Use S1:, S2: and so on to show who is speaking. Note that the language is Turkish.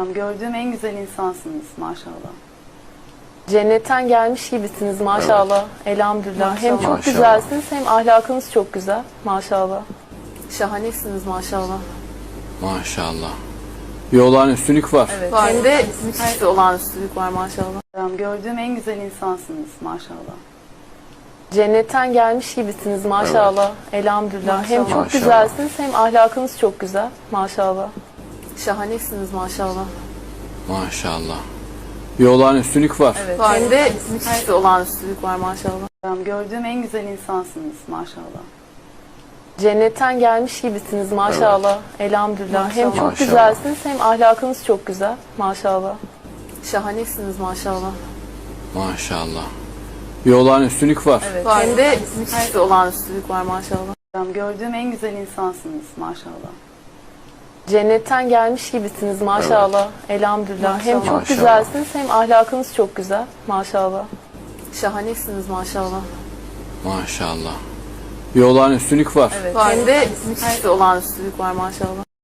S1: Gördüğüm en güzel insansınız maşallah.
S2: Cennetten gelmiş gibisiniz maşallah. Elhamdülillah. Hem çok
S3: Maşallah.
S2: güzelsiniz hem ahlakınız çok güzel maşallah. Şahanesiniz maşallah.
S3: Maşallah. Bir olağanüstülük var.
S2: Evet. Hem de müthiş bir olağanüstülük var maşallah.
S1: Gördüğüm en güzel insansınız maşallah.
S2: Cennetten gelmiş gibisiniz maşallah. Elhamdülillah. Hem çok
S3: Maşallah.
S2: güzelsiniz hem ahlakınız çok güzel maşallah. Şahanesiniz maşallah.
S3: Maşallah. Bir olağanüstülük var.
S2: Evet. Hem de müthiş bir olağanüstülük var maşallah.
S1: Gördüğüm en güzel insansınız maşallah.
S2: Cennetten gelmiş gibisiniz maşallah. Elhamdülillah. Hem çok
S3: Maşallah.
S2: güzelsiniz hem ahlakınız çok güzel maşallah. Şahanesiniz maşallah.
S3: Maşallah. Bir olağanüstülük var.
S2: Evet. Hem de müthiş bir olağanüstülük var maşallah.
S1: Gördüğüm en güzel insansınız maşallah.
S2: Cennetten gelmiş gibisiniz maşallah. Elhamdülillah. Hem çok
S3: Maşallah.
S2: güzelsiniz hem ahlakınız çok güzel maşallah. Şahanesiniz maşallah.
S3: Maşallah. Bir olağanüstülük var.
S2: Evet. Hem de müthiş bir olağanüstülük var maşallah.